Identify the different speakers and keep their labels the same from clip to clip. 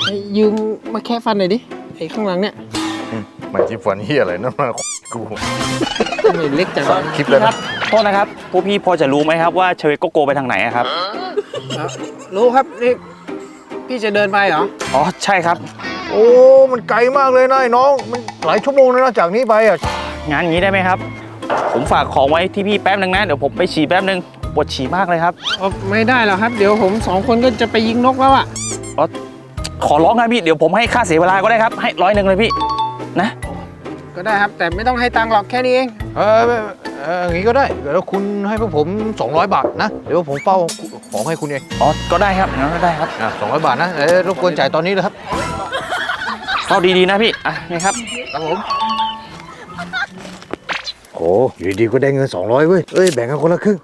Speaker 1: ยืมมาแค่ฟันหน่อยดิไอ้ข้างหลังเนี่ย
Speaker 2: มันจีฟันเฮียอะไรนั่นมากู
Speaker 1: ไม่เล็กจัง
Speaker 2: คลิปแล้วนะ
Speaker 3: โทษนะครับพวกพี่พอจะรู้ไหมครับว่าเชเวโกโกไปทางไหนครับ
Speaker 1: รู้ครับนี่พี่จะเดินไปเหรอ
Speaker 3: อ๋อใช่ครับ
Speaker 2: โอ้มันไกลมากเลยนะไอ้น้องมันหลายชั่วโมงเลยนะจากนี้ไปอ่ะ
Speaker 3: งานนี้ได้ไหมครับผมฝากของไว้ที่พี่แป๊บนึงนะเดี๋ยวผมไปฉี่แป๊บนึงปวดฉี่มากเลยครับ
Speaker 1: ไม่ได้หรอกครับเดี๋ยวผม2 คนก็จะไปยิงนกแล้วอ่ะ
Speaker 3: ขอร้องนะพี่เดี๋ยวผมให้ค่าเสียเวลาก็ได้ครับให้100เลยพี่นะ
Speaker 1: ก็ได้ครับแต่ไม่ต้องให้ตังค์หรอกแค่นี้เอง
Speaker 2: อย่างนี้ก็ได้เดี๋ยวคุณให้พวกผม200 บาทนะเดี๋ยวผมเฝ้าของให้คุณเอง
Speaker 3: อ๋อก็ได้ครับงั้นก็ได้ครับ
Speaker 2: 200 บาทนะรบกวนจ่ายตอนนี้เลยครับ
Speaker 3: เฝ้าดีๆนะพี่นี่ครับ
Speaker 2: ครับผมโอ้อยู่ดีก็ได้เงิน200เว้ยแบ่งกันคนละครึ่ง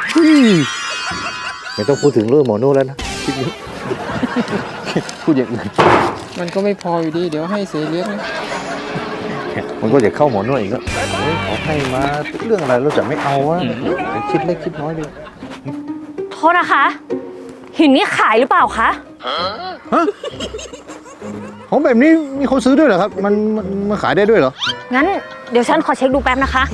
Speaker 2: ไม่ต้องพูดถึงเรื่องหมอโน่แล้วนะคลิปนี้พูดอย่างอื่น
Speaker 1: มันก็ไม่พออยู่ดีเดี๋ยวให้เสียเลี้ยงนะ
Speaker 2: มันก็จะเข้าหมอโน่อีกแล้วขอให้มาเรื่องอะไรเราจะไม่เอาวะคิดเล็กคิดน้อยเลย
Speaker 4: โทษนะคะหินนี้ขายหรือเปล่าคะ
Speaker 2: ฮะของแบบนี้มีคนซื้อด้วยเหรอครับมันขายได้ด้วยเหรอ
Speaker 4: งั้นเดี๋ยวฉันขอเช็คดูแป๊บนะคะ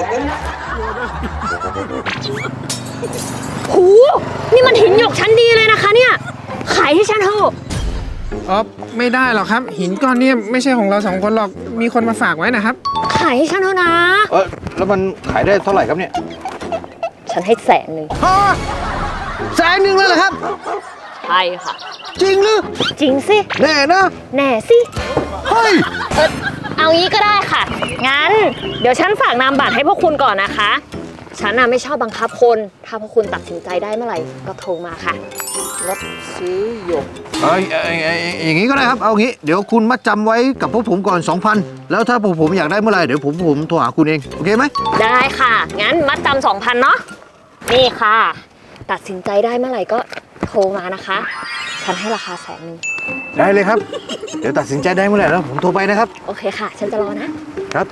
Speaker 4: หูนี่มันหินหยกชั้นดีเลยนะคะเนี่ยขายให้ฉันเถอะ
Speaker 1: ไม่ได้หรอกครับหินก้อนนี้ไม่ใช่ของเรา2 คนหรอกมีคนมาฝากไว้นะครับ
Speaker 4: ขายให้ฉันเถอะนะ
Speaker 2: แล้วมันขายได้เท่าไหร่ครับเนี่ย
Speaker 4: ฉันให้100,000
Speaker 1: 100,000เลยเหรอครับ
Speaker 4: ใช่ค่ะ
Speaker 1: จริงหรือ
Speaker 4: จริงสิ
Speaker 1: แน่นะ
Speaker 4: แน่สิ
Speaker 1: เฮ้ย
Speaker 4: เอางี้ก็ได้ค่ะงั้นเดี๋ยวฉันฝากนามบัตรให้พวกคุณก่อนนะคะฉันไม่ชอบบังคับคนถ้าพวกคุณตัดสินใจได้เมื่อไหร่ก็โทรมาค่ะ
Speaker 1: รับซื้อหยก
Speaker 2: อย่างนี้ก็ได้ครับเอางี้เดี๋ยวคุณมัดจำไว้กับพวกผมก่อน 2,000แล้วถ้าพวกผมอยากได้เมื่อไหร่เดี๋ยวผมโทรหาคุณเองโอเคไหม
Speaker 4: ได้ค่ะงั้นมัดจำ2,000เนาะนี่ค่ะตัดสินใจได้เมื่อไหร่ก็โทรมานะคะฉันให้ราคา100,000
Speaker 2: ได้เลยครับเดี๋ยวตัดสินใจได้เมื่อไหร่แล้วผมโทรไปนะครับ
Speaker 4: โอเคค่ะฉันจะรอนะครับ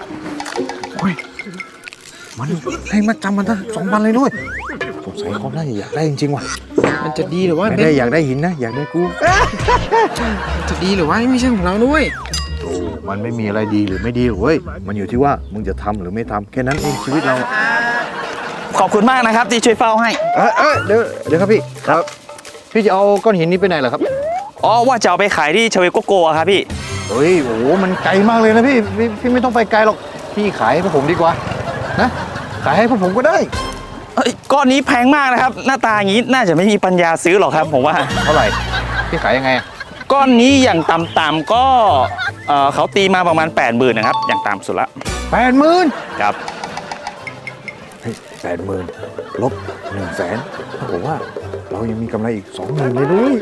Speaker 2: มันให้มัดจำมันทั้ง2,000เลยด้วยสงสัยเขาน่าจะอยากได้จริงๆว่ะ
Speaker 1: มันจะดีหรือว่า
Speaker 2: ไม่ได้อยากได้หินนะอยากได้กู
Speaker 1: มันจะดีหรือว่าไม่ใช่ของเราด้วย
Speaker 2: มันไม่มีอะไรดีหรือไม่ดีเว้ยมันอยู่ที่ว่ามึงจะทำหรือไม่ทำแค่นั้นเองชีวิตเรา
Speaker 3: ขอบคุณมากนะครับที่ช่วยเฝ้าให้
Speaker 2: เดี๋ยวครับพี่ครับพี่จะเอาก้อนหินนี้ไปไหนเหรอครับ
Speaker 3: อ๋อว่าจะเอาไปขายที่เชเวโกโกครับพี่
Speaker 2: เฮ้ยโอ้มันไกลมากเลยนะพี่ไม่ต้องไปไกลหรอกพี่ขายให้พวกผมดีกว่านะขายให้พวกผมก็ได้
Speaker 3: ก้อนนี้แพงมากนะครับหน้าตาอย่างนี้น่าจะไม่มีปัญญาซื้อหรอกครับผมว่า
Speaker 2: เท่าไหร่พี่ขายยังไง
Speaker 3: ก้อนนี้อย่างต่ำๆก็เขาตีมาประมาณ 80,000นะครับอย่างต่ำสุดละ
Speaker 2: 80,000
Speaker 3: ครับ
Speaker 2: 80,000 ลบ 100,000ถ้าผมว่าเรายังมีกำไรอีก 20,000เลยด้วย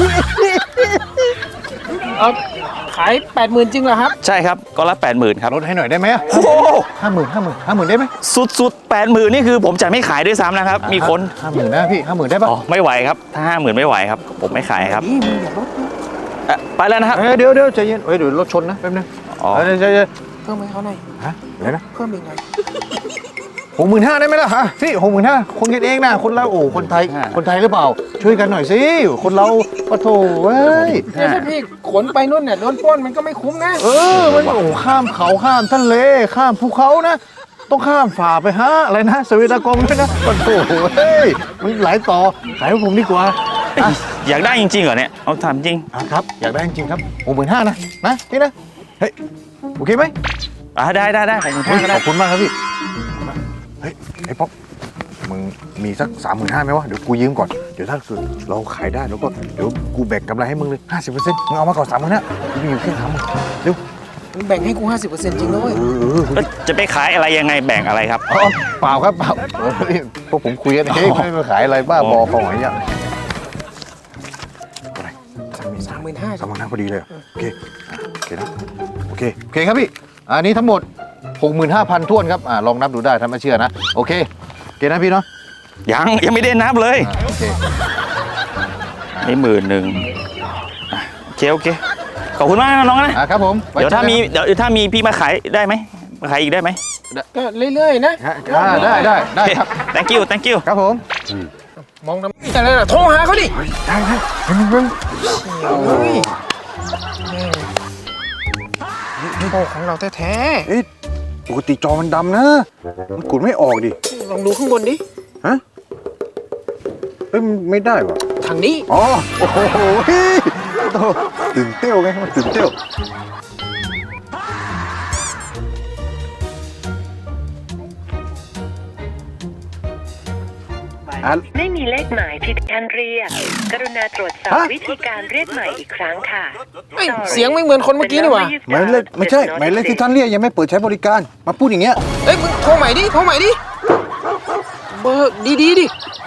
Speaker 1: ขาย 80,000จริงเหรอครับ
Speaker 3: ใช่ครับก้อนละ 80,000ครับ
Speaker 2: ลดให้หน่อยได้ไหม
Speaker 3: โอ้
Speaker 2: 50,000ได้ไหม
Speaker 3: สุด 80,000นี่คือผมจะไม่ขายด้วยซ้ำนะครับมีคน
Speaker 2: 50,000นะพี่50,000ได้ปะ
Speaker 3: อ๋อไม่ไหวครับถ้า50,000ไม่ไหวครับผมไม่ขายครับไปแล้วนะครับ
Speaker 2: เดี๋ยวใจเย็นเดี๋ยวรถชนนะแป๊บนึงใจเย็น
Speaker 1: เพิ่มให้เขาหน่อย
Speaker 2: อะไรนะ
Speaker 1: เพิ่มอีกหน่อย
Speaker 2: 65,000ได้ไหมล่ะฮะพี่65,000คนกันเองนะคนเราคนไทยหรือเปล่าช่วยกันหน่อยสิคนเราปะโถเว้ย
Speaker 1: ถ้าพี่ขนไปนู่นเนี่ยโดนปล้นมันก็ไม่คุ้มนะ
Speaker 2: มันข้ามเขาข้ามทะเลข้ามภูเขานะต้องข้ามฝ่าไปฮะอะไรนะสวีดากองด้วยนะปะโถเฮ้ยมันหลายต่อขายให้ผมดีกว่า
Speaker 3: อยากได้จริงๆเหรอเนี่ยเอาถามจริง
Speaker 2: ครับอยากได้จริงครับ65,000นะพี่นะเฮ้ยโอเคไหม
Speaker 3: ได้
Speaker 2: ขอบคุณมากครับพี่เฮ้ยไอ้ป๊อปมึงมีสัก35,000ไหมวะเดี๋ยวกูยืมก่อนเดี๋ยวถ้าเราขายได้แล้วก็เดี๋ยวกูแบ่งกำไรให้มึงเลย 50% มึงเอามาก่อน30,000กูมีอยู่แค่30,000เร็ว
Speaker 1: มึงแบ่งให้กู 50% จริงด้วย
Speaker 3: จะไปขายอะไรยังไงแบ่งอะไรครับ
Speaker 2: เปล่าครับเปล่าพวกผมคุยกันเองไม่มาขายอะไรบ้าบอของอะไรอย่างอะไร35,000พอดีเลยโอเคนะโอเคครับพี่อันนี้ทั้งหมด65,000 ท้วนครับลองนับดูได้ถ้าไม่เชื่อนะโอเคนะพี่เนาะ
Speaker 3: ยังไม่ได้นับเลย
Speaker 2: โอเค
Speaker 3: นี่10,000โอเคขอบคุณมากน้อง
Speaker 2: นะครับผม
Speaker 3: เดี๋ยวถ้ามีพี่มาขายได้ไหมมาขายอีกได้ไหม
Speaker 1: ก็เรื่อยๆนะ
Speaker 2: ได้ครับ
Speaker 3: thank you
Speaker 2: ครับผม
Speaker 1: มองน้ำอะไรล่ะโทรหาเขาดิ
Speaker 2: ได้มึง
Speaker 1: โอ้ของเราแท้
Speaker 2: เอ้ยปกติจอมันดำนะ มันกดไม่ออกดิ
Speaker 1: ๆลองดูข้างบนดิ
Speaker 2: ฮะ เฮ้ยมันไม่ได้วะ
Speaker 1: ทางนี้
Speaker 2: อ๋อ โอ้โหเฮ้ยโถ่ตื่นเต้วไงมันตื่นเต้วอ่ะ
Speaker 5: ไม่มีเลขหมายที่ท่านเรียก กรุณาตรวจสอบ
Speaker 2: ฮะ
Speaker 5: วิธีการเรียกใหม่อีกครั้งค่ะ
Speaker 1: เอ้ยเสียงไม่เหมือนคนเมื่อกี้นี่หว่า
Speaker 2: หมายเลขไม่ใช่ หมายเลขที่ท่านเรียกยังไม่เปิดใช้บริการ มาพูดอย่างเงี้ย
Speaker 1: เอ้ยมึงโทรใหม่ดิ โทรใหม่ดิ เบอร์ดีๆดิ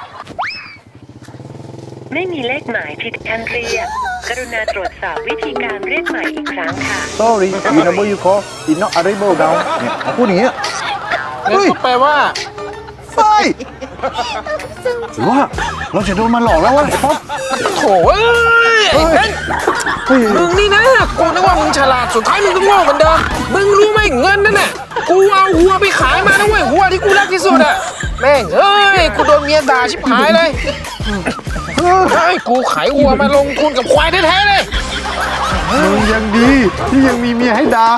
Speaker 5: ไม่มีเลขหมายที่ท่านเรียก กรุณาตรวจสอบวิธีการเรียกใหม่อีกครั้งค่ะ
Speaker 2: sorry the number you call is not available now เนี่ยมาพูดอย่างเงี้ย
Speaker 1: งั้นก็แปลว่า
Speaker 2: เฮ้ยหรือว่าเราจะโดนมันหลอกแล้ววะไอ้ป๊อป
Speaker 1: โถ่เอ้ยไอ้เบน
Speaker 2: เฮ้ย
Speaker 1: มึงนี่นะ กูนึกว่ามึงฉลาด สุดท้ายมึงก็โง่เหมือนเดิม มึงรู้ไหมเงินนั่นน่ะ กูเอาหัวไปขายมานะเว้ยหัวที่กูรักที่สุดอะแม่งเอ้ย กูโดนเมียด่าชิบหายเลยเฮ้ยกูขายหัวมาลงทุนกับควายแท้ๆเลย
Speaker 2: มึงยังดีที่ยังมีเมียให้ด่า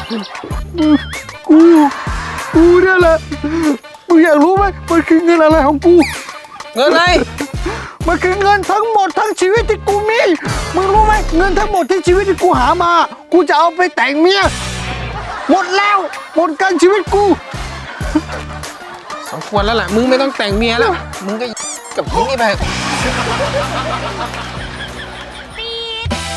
Speaker 2: กูเนี่ยแหละมึงอยากรู้ไหมมันคือเงินอะไรของกู
Speaker 1: เงินอะไร
Speaker 2: มันคือเงินทั้งหมดทั้งชีวิตที่กูมี มึงรู้ไหมเงินทั้งหมดที่ชีวิตที่กูหามา กูจะเอาไปแต่งเมีย หมดแล้ว หมดกันชีวิตกู
Speaker 1: สมควรแล้วแหละ มึงไม่ต้องแต่งเมียแล้ว มึงก็กับหญิงนี่ไป